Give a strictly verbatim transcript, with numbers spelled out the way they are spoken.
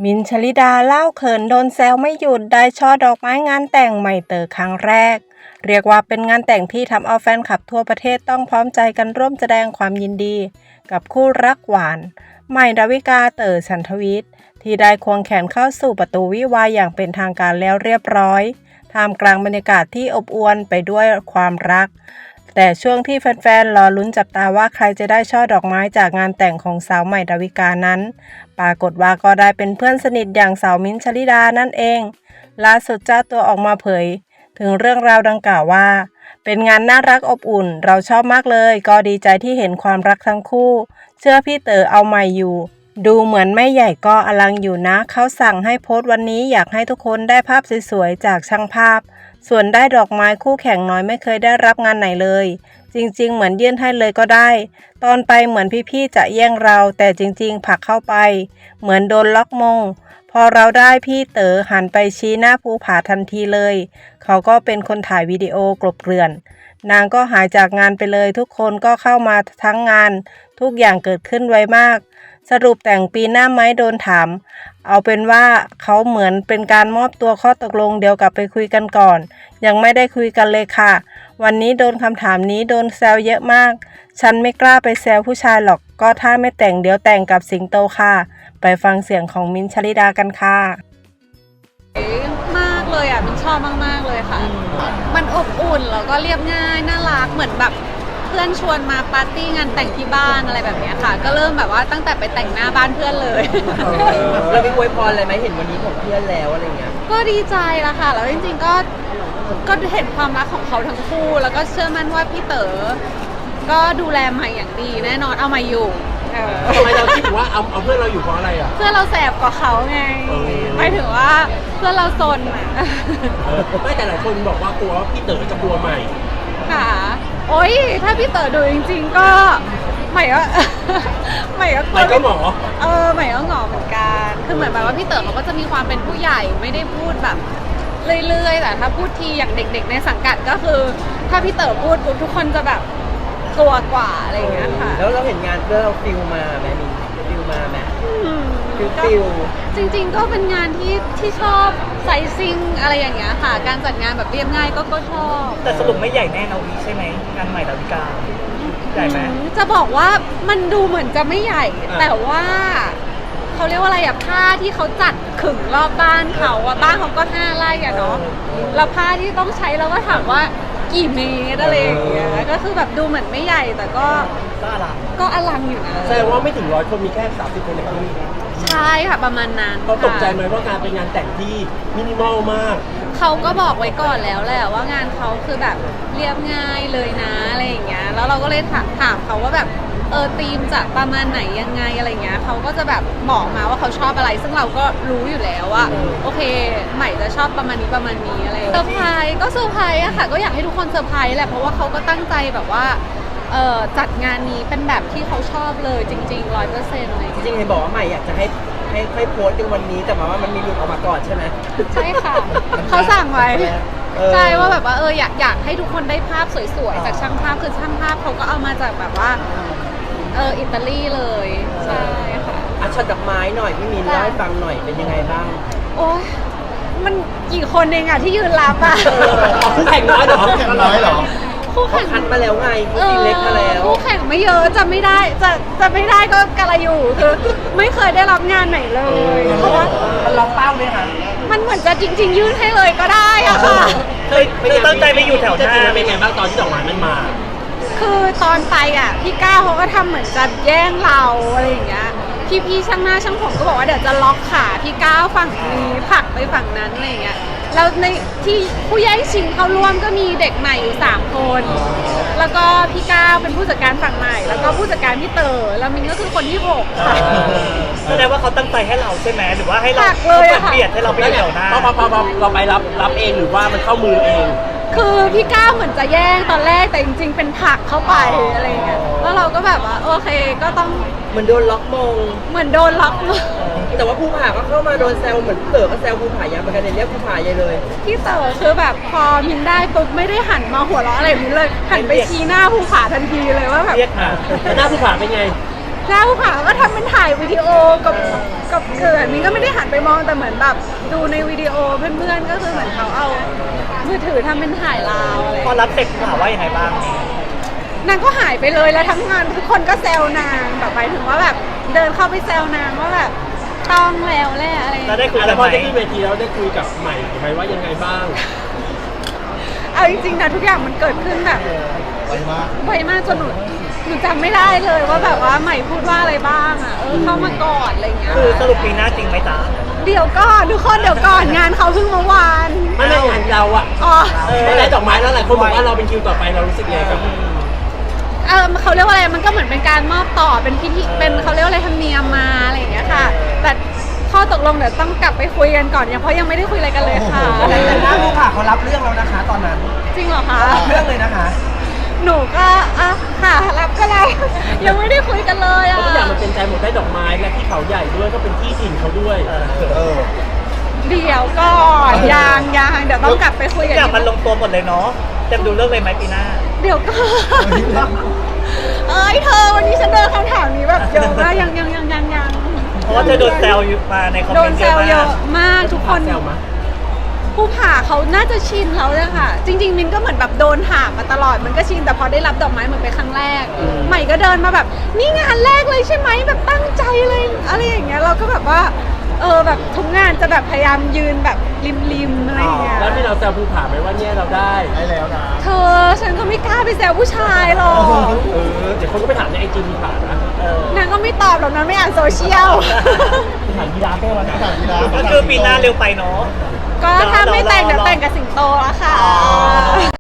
มินท์ ชลิดาเล่าเขินโดนแซวไม่หยุดได้ช่อดอกไม้งานแต่งใหม่เต๋อครั้งแรกเรียกว่าเป็นงานแต่งที่ทำเอาแฟนคลับทั่วประเทศต้องพร้อมใจกันร่วมแสดงความยินดีกับคู่รักหวานใหม่ดาวิกาเต๋อฉันทวิทย์ที่ได้ควงแขนเข้าสู่ประตูวิวาห์อย่างเป็นทางการแล้วเรียบร้อยท่ามกลางบรรยากาศที่อบอวลไปด้วยความรักแต่ช่วงที่แฟนๆรอลุ้นจับตาว่าใครจะได้ช่อดอกไม้จากงานแต่งของสาวใหม่ดาวิกานั้นปรากฏว่าก็ได้เป็นเพื่อนสนิทอย่างสาวมิ้นท์ ชลิดานั่นเองล่าสุดเจ้าตัวออกมาเผยถึงเรื่องราวดังกล่าวว่าเป็นงานน่ารักอบอุ่นเราชอบมากเลยก็ดีใจที่เห็นความรักทั้งคู่เชื่อพี่เต๋อเอาใหม่อยู่ดูเหมือนไม่ใหญ่ก็อลังอยู่นะเขาสั่งให้โพสต์วันนี้อยากให้ทุกคนได้ภาพสวยๆจากช่างภาพส่วนได้ดอกไม้คู่แข่งน้อยไม่เคยได้รับงานไหนเลยจริงๆเหมือนยื่นให้เลยก็ได้ตอนไปเหมือนพี่ๆจะแย่งเราแต่จริงๆผลักเข้าไปเหมือนโดนล็อกมงพอเราได้พี่เต๋อหันไปชี้หน้าภูผาทันทีเลยเขาก็เป็นคนถ่ายวิดีโอกลบเกลื่อนนางก็หายจากงานไปเลยทุกคนก็เข้ามาทั้งงานทุกอย่างเกิดขึ้นไวมากสรุปแต่งปีหน้าไหมโดนถามเอาเป็นว่าเขาเหมือนเป็นการมอบตัวข้อตกลงเดี๋ยวกลับไปคุยกันก่อนยังไม่ได้คุยกันเลยค่ะวันนี้โดนคำถามนี้โดนแซวเยอะมากฉันไม่กล้าไปแซวผู้ชายหรอกก็ถ้าไม่แต่งเดี๋ยวแต่งกับสิงโตค่ะไปฟังเสียงของมิ้นท์ ชลิดากันค่ะมากเลยอ่ะมินชอบมากๆเลยค่ะมันอบอุ่นแล้วก็เรียบง่ายน่ารักเหมือนแบบเพื่อนชวนมาปาร์ตี้งานแต่งที่บ้านอะไรแบบนี้ค่ะก็เริ่มแบบว่าตั้งแต่ไปแต่งหน้าบ้านเพื่อนเลยเรามีอวยพรอะไรไหมเห็นวันนี้ของเพื่อนแล้วอะไรเงี้ยก็ดีใจละค่ะแล้วจริงๆก็ก็เห็นความรักของเขาทั้งคู่แล้วก็เชื่อมั่นว่าพี่เต๋อก็ดูแลใหม่อย่างดีแน่นอนเอามาอยู่ทำไมเราคิดว่าเอาเอาเพื่อนเราอยู่เพราะอะไรอ่ะเพื่อนเราแสบกว่าเขาไงหมายถึงว่าเพื่อนเราซนอ่ะไม่แต่หลายคนบอกว่ากลัวว่าพี่เต๋อจะกลัวใหม่ค่ะโอ๊ยถ้าพี่เต๋อดูจริงๆก็ใหม่ก็ใหม่ก็ใหม่ก็หมอเออใหม่ก็หงอเหมือนกันคือเหมือนแบบว่าพี่เต๋อเขาก็จะมีความเป็นผู้ใหญ่ไม่ได้พูดแบบเรื่อยๆแต่ถ้าพูดทีอย่างเด็กๆในสังกัดก็คือถ้าพี่เต๋อพูดปุ๊บทุกคนจะแบบกลัวกว่าอะไรอย่างเงี้ยค่ะแล้วเราเห็นงานเพื่อเราฟิลมาไหมมีฟิลมาไหมฟิลฟิลจริงๆก็เป็นงานที่ที่ชอบไซซิ่งอะไรอย่างเงี้ยค่ะการจัดงานแบบเรียบง่ายก็ก็ชอบแต่สรุปไม่ใหญ่แน่นะวิใช่ไหมงานใหม่ดาวิกาใหญ่ไหมจะบอกว่ามันดูเหมือนจะไม่ใหญ่แต่ว่าเขาเรียกว่าอะไรอะผ้าที่เขาจัดขึงรอบบ้านเขาอะบ้านเขาก็ห้าไร่อะเนาะแล้วผ้าที่ต้องใช้เราก็ถามว่ากี่เมตรอะไรอย่างเงี้ยก็คือแบบดูเหมือนไม่ใหญ่แต่ก็ก็อลังก็อลังอยู่นะแสดงว่าไม่ถึงร้อยคนมีแค่สามสิบคนในที่นี้ใช่ค่ะประมาณนั้นเขาตกใจไหมว่าการเป็นงานแต่งที่มินิมอลมากเขาก็บอกไว้ก่อนแล้วแหละว่างานเขาคือแบบเรียบง่ายเลยนะอะไรอย่างเงี้ยแล้วเราก็เลยถามถามเขาว่าแบบเออธีมจะประมาณไหนยังไงอะไรเงี้ยเขาก็จะแบบบอกมาว่าเขาชอบอะไรซึ่งเราก็รู้อยู่แล้วว่าโอเคใหม่จะชอบประมาณนี้ประมาณนี้อะไรเซอร์ไพรส์ก็เซอร์ไพรส์อะค่ะก็อยากให้ทุกคนเซอร์ไพรส์แหละเพราะว่าเขาก็ตั้งใจแบบว่าเออจัดงานนี้เป็นแบบที่เขาชอบเลยจริงๆร้อยเปอร์เซ็นต์เลยจริงๆเห็นบอกว่าใหม่อยากจะให้ให้ให้โพสต์ในวันนี้แต่ว่ามันมีหลุดออกมาก่อนใช่ไหมใช่ค่ะเขาสั่งไว้ใช่ว่าแบบว่าเอออยากอยากให้ทุกคนได้ภาพสวยๆจากช่างภาพคือช่างภาพเขาก็เอามาจากแบบว่าเอออิตาลีเลยใช่ค่ะอ่ะช็อตดอกไม้หน่อยพี่มีนเล่าให้ฟังหน่อยเป็นยังไงบ้างโอ้ยมันกี่คนเองอะที่ยืนรับอะคู่แข่งน้อยเหรอคู่แข่งน้อยเหรอคู่แข่งคัดมาแล้วไงคู่ทีเล็กมาแล้วคู่แข่งไม่เยอะจะไม่ได้จะจะไม่ได้ก็กะไรอยู่คือไม่เคยได้รับงานไหนเลยเพราะว่ามันล็อกเป้าไหมคะมันเหมือนจะจริงๆยื่นให้เลยก็ได้อะค่ะเคยเคยตั้งใจไปอยู่แถวหน้าเป็นไงบ้างตอนที่ดอกไม้มันมาคือตอนไปอ่ะพี่ก้าวเขาก็ทำเหมือนจะแย่งเราอะไรอย่างเงี้ยพี่พี่ช่างหน้าช่างผมก็บอกว่าเดี๋ยวจะล็อกขาพี่ก้าวฝั่งนี้ผลักไปฝั่งนั้นอะไรอย่างเงี้ยแล้วในที่ผู้แย่งชิงเข้าร่วมก็มีเด็กใหม่อยู่สามคนแล้วก็พี่ก้าวเป็นผู้จัดการฝั่งใหม่แล้วก็ผู้จัดการพี่เต๋อแล้วมินก็คือคนที่หกค่ะแสดงว่าเขาตั้งใจให้เราใช่ไหมหรือว่าให้เราเบียดให้เราไปอยู่แถวหน้าพอพอพอเราไปรับรับเองหรือว่ามันเข้ามือเองคือพี่ก้าวเหมือนจะแย่งตอนแรกแต่จริงๆเป็นผลักเข้าไปอะไรอย่างเงี้ยแล้วเราก็แบบว่าโอเคก็ต้องเหมือนโดนล็อกมงเหมือนโดนล็อกมงแต่ว่าภูผาก็เข้ามาโดนแซวเหมือนเต๋อก็แซวภูผายับเหมือนกันเรียกภูผาใหญ่เลยพี่เต๋อคือแบบพอมินได้ปุ๊บไม่ได้หันมาหัวเราะอะไรมินเลยหันไปชี้หน้าภูผาทันทีเลยว่าแบบเรียกหาหน้าภูผาเป็นไงหน้าภูผาก็ทำเป็นถ่ายวิดีโอกับกับเกิดมินก็ไม่ได้หันไปมองแต่เหมือนแบบดูในวิดีโอเพื่อนๆก็คือเหมือนเขาเอามือถือทำเป็นถ่ายลาวอะไรพอรับเสร็จถามว่ายังไงบ้างนางก็หายไปเลยแล้วทั้งงานทุกคนก็แซวนางแบบไปถึงว่าแบบเดินเข้าไปแซวนางว่าแบบต้องแล้วแหละอะไรอย่างแล้วเงี้ยได้คุยแล้กัวน พไหอมได้ขึ้นเวทีแล้วได้คุยกับใหม่ไหมว่ายังไงบ้างเอาจริงๆนะทุกอย่างมันเกิดขึ้นแบบไวมากไวมากจนหนูหนูจำไม่ได้เลยว่าแบบว่าใหม่พูดว่าอะไรบ้างอ่ะเออเข้ามากอดอะไรอย่างเงี้ยคือสรุปปีหน้าจริงไหมจ๊ะเดี๋ยวก่อนทุกคนเดี๋ยวก่อนงานเขาเพิ่งเมื่อวานไม่ได้งานเราอะอ๋อไม่ได้ดอกไม้แล้วหลายคนบอกว่าเราเป็นคิวต่อไปเรารู้สึกยังไงกับเออเขาเรียกว่าอะไรมันก็เหมือนเป็นการมอบต่อเป็นพิธีเป็นเขาเรียกว่าอะไรธรรมเนียมมาอะไรอย่างเงี้ยค่ะ แต่ข้อตกลงเดี๋ยวต้องกลับไปคุยกันก่อนยังเพราะยังไม่ได้คุยอะไรกันเลยค่ะแต่หน้าภูผาเขารับเรื่องแล้วนะคะ ตอนนั้นจริงเหรอคะรับเรื่องเลยนะคะหนูก็อ่ะค่ะรับก็รับ ยังไม่ได้คุยกันเลยเพอ่ะราะทุกอย่างมันเป็นใจหมดได้ดอกไม้และที่เขาใหญ่ด้วยก็เป็นที่ถิ่นเขาด้วยเออเดี๋ยวก่อนยังยังเดี๋ยวต้องกลับไปคุยทุกักนอย่างมันลงตัวหมดเลยเนาะเต็มดูเรื่องเลยไหมปีหน้าเดี๋ยวก่อนเอ้ยเธอวันนี้ฉันเดินคำถามนี้แบบเยอะมากยังยังยังยังยังเพราะว่าเธอโดนแซวอยู่มาในคอมโดเมนนต์แซเยอะวเยมาอะกมากทุกคนแซวมาผู้ผ่าเขาน่าจะชินแล้วเลยค่ะ จริง ๆ มินก็เหมือนแบบโดนถามมาตลอดมันก็ชินแต่พอได้รับดอกไม้เหมือนเป็นครั้งแรก ใหม่ก็เดินมาแบบนี่งานแรกเลยใช่ไหมแบบตั้งใจเลยอะไรอย่างเงี้ยเราก็แบบว่าเออแบบทุกงานจะแบบพยายามยืนแบบริมๆอะไรอย่างเงี้ยแล้วที่เราแซวภูผาไหมว่าเนี่ยเราได้ได้แล้วนะเธอฉันก็ไม่กล้าไปแซวผู้ชายหรอกเออเดี๋ยวคนก็ไปถามในไอจีภูผานะเออนางก็ไม่ตอบหรอกนะไม่อ่านโซเชียลถามยีราฟได้วันนะถามยีราฟก็คือปีหน้าเร็วไปเนาะก็ถ้าไม่แต่งเดี๋ยวแต่งกับสิงโตละค่ะ